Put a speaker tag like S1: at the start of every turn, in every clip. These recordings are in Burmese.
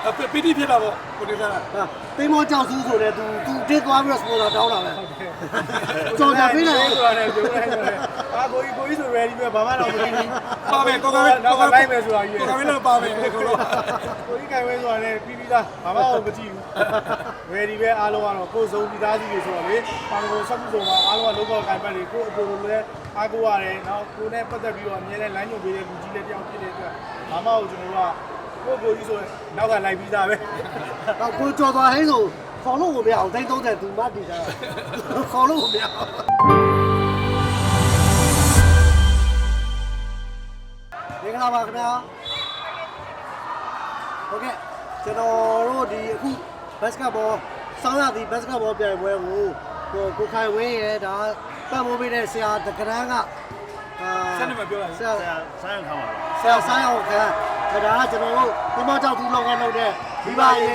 S1: ပီတိဖြစ်တာပေါ့ကိုနေစား
S2: တိမ်မောကြောက်စုဆိုတယ်သူတစ်သွားပြီးတော့စပေါ်တာတောင်းတာပဲကြော်ကြပေးလိုက်
S3: ဆိုတာနဲ့ပြောလိုက်တယ်အာကိုကြီးဆို ready ပဲဘာမှတော့မသိဘူး
S1: ပါမယ်ကိုက
S3: တော့လိုက်မယ်ဆိုတာကြီး
S1: ကိုကလည်းပါမယ်ကိုတော့
S3: ကိုကြီးကင်ဝဲဆိုတာနဲ့ပြီးသားဘာမှတော့မကြည့်ဘူး ready ပဲအားလုံးကတော့ကိုယ်စုံပြီးသားစီတွေဆိုတော့လေပါကိုဆက်မှုဆုံးမှာအားလုံးကလောကကင်ပတ်တွေကိုအပေါ်လိုလဲအားကိုရတယ်နောက်ကိုနဲ့ပတ်သက်ပြီးတော့အမြဲတမ်းလိုင်းညွှန်ပေးတဲ့လူကြီးလေးတယောက်ဖြစ်တဲ့အတွက်ဘာမှကျွန်တော်တို့ကကိုကြီးဆိုနောက်ကလိုက်ပြီးသားပဲ
S2: တော့ကိုကြော်သွားဟင်းဆိုခေါ်လို့ကိုမရအောင်တိတ်30သူမတည်တာခေါ်လို့ကိုမရအောင်မင်္ဂလာပါခင်ဗျာဟုတ်ကဲ့ကျွန်တော်တို့ဒီအခုဘတ်စကတ်ဘောဆောင်းရသည်ဘတ်စကတ်ဘောပြိုင်ပွဲကိုခိုင်ဝင်းရဲ့ဒါပတ်မိုးပေးတဲ့ဆရာတက္ကရာက
S1: ဆက်နေမှာပြောလိုက်
S3: ဆရာဆိုင်းအောင်ခါပါ
S2: ဆရာဆိုင်းအောင်ခါဒါကကျွန်တော်တို့ဒီမှာကြောက်သူလောက်ကလုပ်တဲ့ဒီပါရေး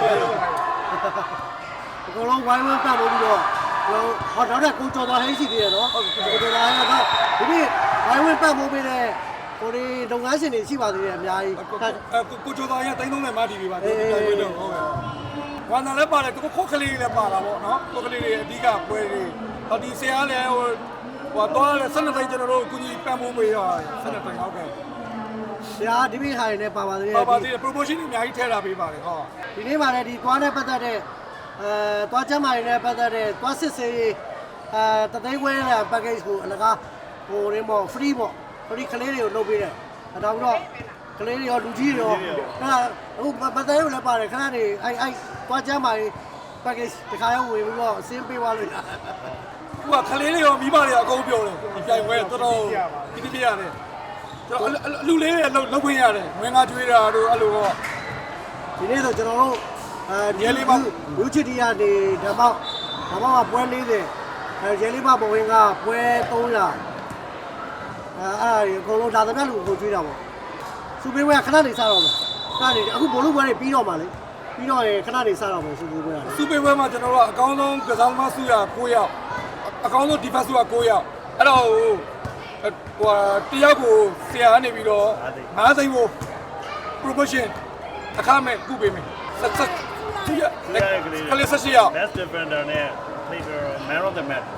S2: အကုန်လုံးဝိုင်းဝန်းပတ်မိုးပြီးတော့ဟောနောက်တဲ့ကိုကျော်သွားဟိရှိသေးတယ်နော်ကိုကျော်သွားဟိကတော့ဒီနေ့ဝိုင်းဝန်းပတ်မိုးပေးတဲ့ကိုဒီလုပ်ငန်းရှင်တွေရှိပါသေးတယ်အများကြီး
S1: ကိုကျော်သားရ330မတီးပါတော့တိုင်ဝဲတော့ဟုတ်ကဲ့ဝါနာလည်းပါတယ်ကိုခုတ်ကလေးလည်းပါတာပေါ့နော်ခုတ်ကလေးတွေအဓိကပွဲတွေဟောဒီဆရာလည်းဟိုတော့လည်း12သိန်းကျွန်တော်တို့ကုကြီးပံ့ပိုးပေးရ12သိန်းဟုတ်ကဲ့
S2: ဆရာဒီမိဟာနေပါပါသေးတယ်
S1: ပါပါသေးတယ် promotion တွေအများကြီးထည့်လာပေးပါတယ်ဟော
S2: ဒီနေ့မှလည်းဒီသွားနဲ့ပတ်သက်တဲ့သွားချမ်းမာတွေနဲ့ပတ်သက်တဲ့သွားစစ်စေးတသိန်းခွဲတဲ့ package ကိုအလကားဟိုရင်းပေါ့ free ပေါ့ free ကလေးတွေကိုလုပ်ပေးတယ်ဒါပြီးတော့ကလေးတွေရောလူကြီးတွေရောအခုပတ်သက်ရုံလည်းပါတယ်ခဏနေအဲ့သွားချမ်းမာတွေ package တခါရောက်ဝင်ပြီးတော့အစင်းပေးသွားလို့ရတယ်
S1: သူကကလေးတွေရောမိဘတွေရောအကုန်ပြောတယ်ဒီပြိုင်ပွဲတော်တော်ဒီတိရတယ်ကျွန်တော်အလူလေးတွေလောက်ခွင့်ရတယ်ဝင်ငါကျွေးတာတို့အဲ့လိုတော့
S2: ဒီနေ့ဆိုကျွန်တော်တို့ရဲလေးပါလူချစ်တီကနေဓမ္မကပွဲ40ရဲလေးပါဘဝင်ကပွဲ300အဲ့အကုန်လုံးဒါသမျှလူကိုကျွေးတာပေါ့စူပေးပွဲခဏနေစားတော့မယ်ခဏနေအခုဘိုလ်လူပွဲတွေပြီးတော့မှလေပြီးတော့ခဏနေစားတော့မယ်စူပေးပွဲက
S1: စူပေးပွဲမှာကျွန်တော်တို့အကောင်းဆုံးကစားသမားစုရ9ယောက်အကောင်းဆုံးဒီဖက်စုက9ယောက်အဲ့တော့ဟိုတယောက်ကိုဆရာကနေပြီးတော့5သိန်းကို promotion အခမဲ့ကုပေးမယ်ဆက်သူရကလေးဆက်ရှိရ
S3: best defender နဲ့ player man of the match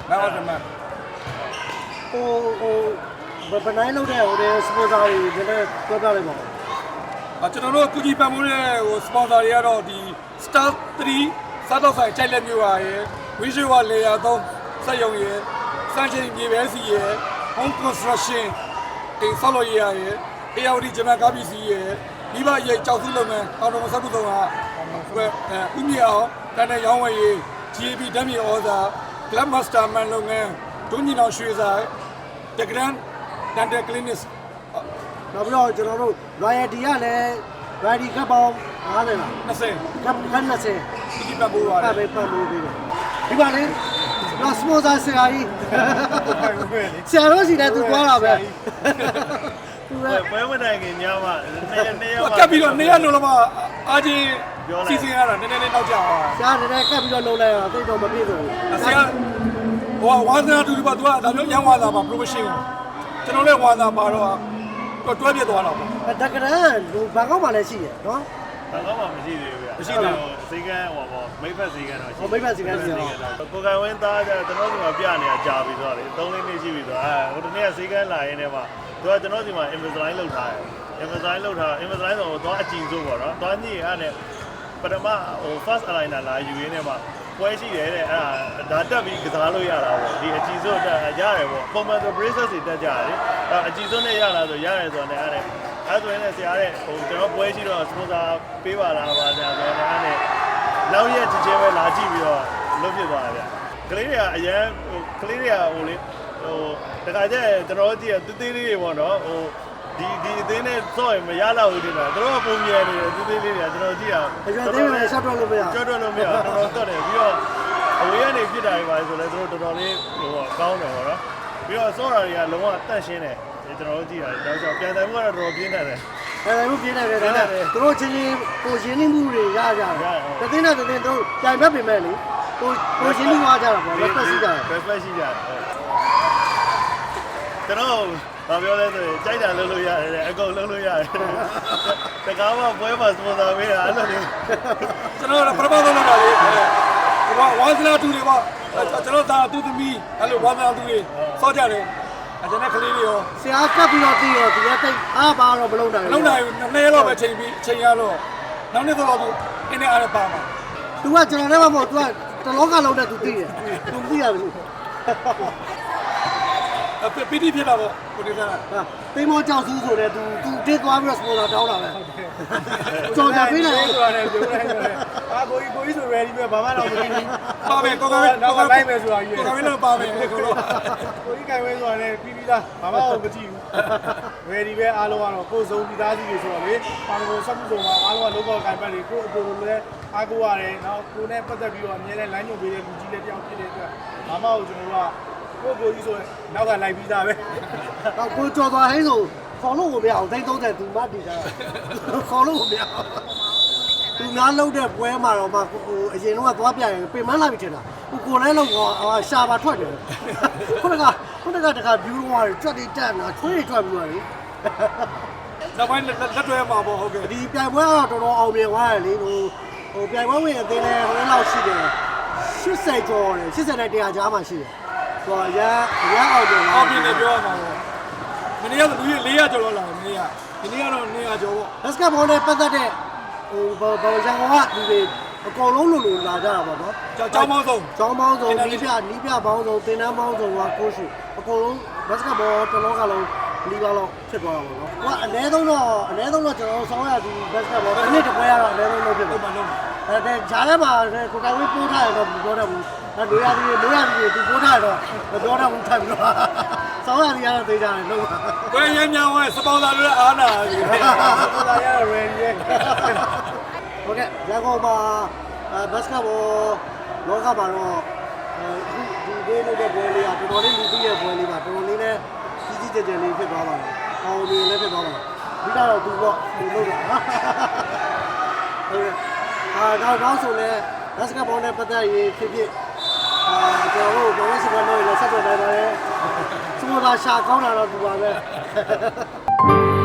S2: ဘယ်နိုင်လို့တဲ့ဟိုတဲ့စပွန်ဆာတွေလည်းပြောပြလိုက်ပါဦး
S1: ကျွန်တော်တို့ကုကြီးပံ့ပိုးတဲ့ဟိုစပွန်ဆာတွေကတော့ဒီ Star 3စားတော့ဆိုင်ကြိုက်လက်မျိုးပါရယ်ဝင်းရွှေဝလေယာ3စက်ရုံရယ်စမ်းချင်းမြေပဲစီရယ် home construction အိမ်ဆောက်လုပ်ရယ်AOD ဂျမန်ကားပစ္စည်းရယ်မိဘရဲ့ကြောက်စုလုပ်ငန်းအောင်တော်မဆက်ဘူးတော့ဥမြေအောင်တန်တဲ့ရောင်းဝယ်ရေး GAB ဓာတ်မြေဩဇာ Club Master Man လုပ်ငန်းဒုညင်အောင်ရွှေဆိုင် The Grand Dental Clinic
S2: နောက်ပြီးတော့ကျွန်တော်တို့ royalty ကလည်း royalty ကပေါင်း50လား
S1: 20
S2: က20
S1: ဒီပတ်ပိုးပါတယ်
S2: ပဲပတ်လို့ပြီးတယ်ဒီပါလေတော့ sponsor ဆရာကြီးဆရာတို့စီလည်းသူသွားတာပဲ
S3: သူလည်းပွဲမတိုင်ခင်ညမှာနေရော
S1: ကပ်ပြီးတော့နေရလုံးလုံးအာချင်းစီစဉ်ရတာနည်းနည်းနောက်ကျအောင်
S2: ဆရာနည်းနည်းကပ်ပြီးတော့လုံးလိုက်တော့သိတော့မပြည့်စုံဘူး
S1: ဆရာဟိုဝါသနာတူတူပါသူကဒါမျိုးရန်ဝါသာပါ promotion ကိုကျွန်တော်လည်းဝါသာပါတော့တွဲပြသွားတော့
S2: တက္ကရာလူဘာကောက်မှလည်းရှိရနော်
S3: ဘာကောက်မှမရှိသေးဘူးဗျ
S1: မရှိသေးဘူး
S3: ဈေးကန်းဟောပေါ့မိဖက်ဈေးကန်းတော့ရှိ
S2: မိဖက်ဈေးကန်းရှိတော့
S3: ကိုကန်ဝင်းသားကျကျွန်တော်ဒီမှာပြနေတာကြာပြီဆိုတော့လေ3လေးနှစ်ရှိပြီဆိုတော့ဟိုတနေ့ကဈေးကန်းလာရင်းနဲ့မှသူကကျွန်တော်ဒီမှာ Invisalign လုပ်ထားတယ် Invisalign လုပ်ထား Invisalign ဆိုတော့အကြည့်စိုးပေါ့နော်သွားညိအဲ့နဲ့ပထမဟို first aligner လာယူရင်းနဲ့မှပွဲရှိတယ်တဲ့အဲ့ဒါတက်ပြီးကစားလို့ရတာပေါ့ဒီအကြည့်စိုးတက်ရတယ်ပေါ့ပုံမှန်ဆို braces တွေတက်ကြတယ်အကြည့်စိုးနဲ့ရလာဆိုရတယ်ဆိုတော့လည်းအဲ့ဆိုရင်လည်းဆရာတဲ့ဟိုကျွန်တော်ပွဲရှိတော့ sponsor ပေးပါလားပါဆရာဆိုတော့အဲ့နဲ့နောက်ရက်ချင်းပဲလာကြည့်ပြီးတော့လုပ်ဖြစ်သွားတယ်ဗျကလေးတွေကအရန်ဟိုကလေးတွေကဟိုလေဟိုတခါကျကျွန်တော်ကြည့်ရသေးသေးလေးတွေပေါ့နော်ဟိုဒီအသေးနဲ့စော့ရင်မရတော့ဘူးတင်တာတို့ကပုံမြင်နေတယ်သေးသေးလေးတွေကကျွန်တော်ကြည့်ရ
S2: ကျွန်တော်သေးတယ်ရှော့တော့လို့မရ
S3: ရှော့တော့လို့မရတော်တော့တယ်ပြီးတော့အဝေးကနေဖြစ်တာတွေပါဆိုလဲတို့တော်တော်လေးဟိုကောင်းတယ်ပေါ့နော်ပြီးတော့စော့တာတွေကလုံးဝတန့်ရှင်းတယ်ကျွန်တော်ကြည့်ရတယ်ဒါဆိုပြန်တယ်မှုကတော့တော်တော်ပြင်းတယ်
S2: မှုပြင်းတယ်ဒါနဲ့သူတို့ချင်းချင်းကိုရင်းနှီးမှုတွေရကြတယ်တသိန်းနဲ့တသိန်းတို့ကြိုင်ဘက်ပြင်မဲ့လေကိုရင်းနှီးသွားကြတာပေါ့လက်ဖက်ရှိကြတယ်
S3: လက်ဖက်ရှိကြတယ်ကျွန်တော်ဘာပြောလဲဆိုရင်ကြိုက်တာလုပ်လို့ရတယ်တဲ့အကုန်လုပ်လို့ရတယ်တကားမှပွဲမှာစပွန်ဆာပေးတာအဲ့လိုမျိုး
S1: ကျွန်တော်ကပထမဆုံးလုပ်တာလေဒီကဝါစနာတူတွေပေါ့ကျွန်တော်ဒါသူသမီးအဲ့လိုဝါစနာတူတွေစောကြတယ်ကျွန်တော်ကလေးတွေရော
S2: ဆရာကပ်ပြီးတော့ပြီးတော့ဒီကတိတ်အားပါတော့မလုံးနိုင်
S1: မလုံးနိုင်ဘူး2ရက်လောက်ပဲချိန်ပြီးချိန်ရတော့နောက်နေ့တော့သူအင်းနဲ့အားပါမှာ
S2: သူကကျွန်တော်လည်းမဟုတ်သူကတလောကလုံးနဲ့သူသိတယ်သူသိရဘူး
S1: ပီတီဖြစ်တာပေါ့ကိုဒီက
S2: တိမ်မောကြောက်စုဆိုတဲ့သူတစ်သွားပြီးတော့စပေါ်တာတောင်းတာပဲကြော်ကြပေးတယ်
S4: ဆိုတာလည်းပြောလိုက်တယ်အာကိုကြီးဆို ready ပဲဘာမှတော့မသိဘူး
S1: ပါမယ်ကိုကပဲ
S4: နောက်ကလိုက်မယ်ဆိုတာကြီး
S1: ကိုကပဲလည်းပါမယ်ကိုတော့
S4: ကိုကြီးကင်ဝဲဆိုတာလည်းပြီးပြီးသားဘာမှတော့မကြည့်ဘူး ready ပဲအားလုံးကတော့ကိုယ်စုံပြီးသားစီတွေဆိုတော့လေပါမကိုစက်မှုစုံမှာအားလုံးကလောကကင်ပတ်တွေကိုအပေါ်ကိုလည်းအားကိုရတယ်နောက်ကိုနဲ့ပတ်သက်ပြီးတော့အမြဲတမ်းလမ်းညွှန်ပေးတဲ့လူကြီးလည်းတယောက်ဖြစ်တဲ့အတွက်ဘာမှတော့ကျွန်တော်တို့ကကိုကြီးဆိုရင်နောက်ကလိုက်ပြီးသားပဲ
S2: တော့ကိုကြော်သွားဟင်းဆိုခေါ်လို့ကိုမရအောင်30သူမတည်တာခေါ်လို့ကိုမရသူငါလုံးတဲ့ပွဲမှာတော့မှအရင်တော့သွားပြရင်ပြင်မလာပြီထင်တာကိုလည်းလုံးကရှာပါထွက်တယ်ခုနကတခါ view တော့ကြွတ်တိတက်လာထွေးထွက်ပြီးတော့လေ
S1: နောက်ပိုင်းလက်တွဲမှာပေါ့ဟုတ်ကဲ့
S2: ဒီပြိုင်ပွဲကတော့တော်တော်အောင်မြင်သွားတယ်လေဟိုပြိုင်ပွဲဝင်အသေးလဲဟိုလောက်ရှိတယ်80ကျော်တယ်80နဲ့100ကြားမှရှိတယ်ဆိုတော့ရအောင်မြင်
S1: အော်ပြင်းနေပြောရမှာပေါ့မနေ့ကလူကြီး400ကျော်လောက်လာတယ်မနေ့ကဒီနေ့ကတော့200ကျော်ပေါ့
S2: ဘတ်စကတ်ဘောနဲ့ပတ်သက်တဲ့ဟိုဘောရန်ကုန်ကလူတွေအကောင်လုံးလိုလာကြတာပေါ့နော်
S1: ကျောင်းပေါင်းစုံ
S2: ကျောင်းပေါင်းစုံနီးပြပေါင်းစုံသင်တန်းပေါင်းစုံကကိုရှိအကောင်လုံးဘတ်စကတ်ဘောတစ်လောကလုံးလီပါလောက်ဖြစ်သွားတာပေါ့နော်။အနည်းဆုံးတော့ကျွန်တော်ဆောင်းရသည်ဘတ်စကတ်ဘောတစ်နှစ်တစ်ပွဲရတော့အနည်းဆုံးလုပ်ဖြစ်
S1: ဟု
S2: တယ်
S1: တ်ပါလုံး
S2: ။ဒါဂျားထဲမှာကိုကိုင်ဝေးပိုးထားရတော့မပြောတတ်ဘူး။ဒါလိုရသည်သူပိုးထားရတော့မပြောတတ်ဘူးထိုင်ပြီးတော့ဆောင်းရသည်ကတော့သိကြတယ်လို့
S1: ဘယ်ရမ်းများဝဲစပေါင်ဆာတွေအားနာပြီ
S4: ကိုလာရတော့ ready ပဲ
S2: ။ဟုတ်ကဲ့ရန်ကုန်မှာဘတ်စကတ်ဘောလောကမှာတော့အခုဒီဒေးလုပ်တဲ့ပွဲလေးကတော်တော်လေးလူသိရဲ့ပွဲလေးပါတော်တော်လေးနဲ့ကြီးကြီးကျယ်ကျယ်လေးဖြစ်သွားပါတယ်။အောင်မြင်လည်းဖြစ်သွားပါတယ်။ဒီကတော့သူပေါ့သူလုပ်တာနော်။ဟုတ်ကဲ့နောက်ဆိုလဲဘတ်စကတ်ဘောနဲ့ပတ်သက်ရေးဖြစ်ကျွန်တော်တို့ဘဝစကားလို့လည်းဆက်သွယ်နိုင်ပါတယ်။စမတာရှာကောင်းတာတော့သူပါပဲ။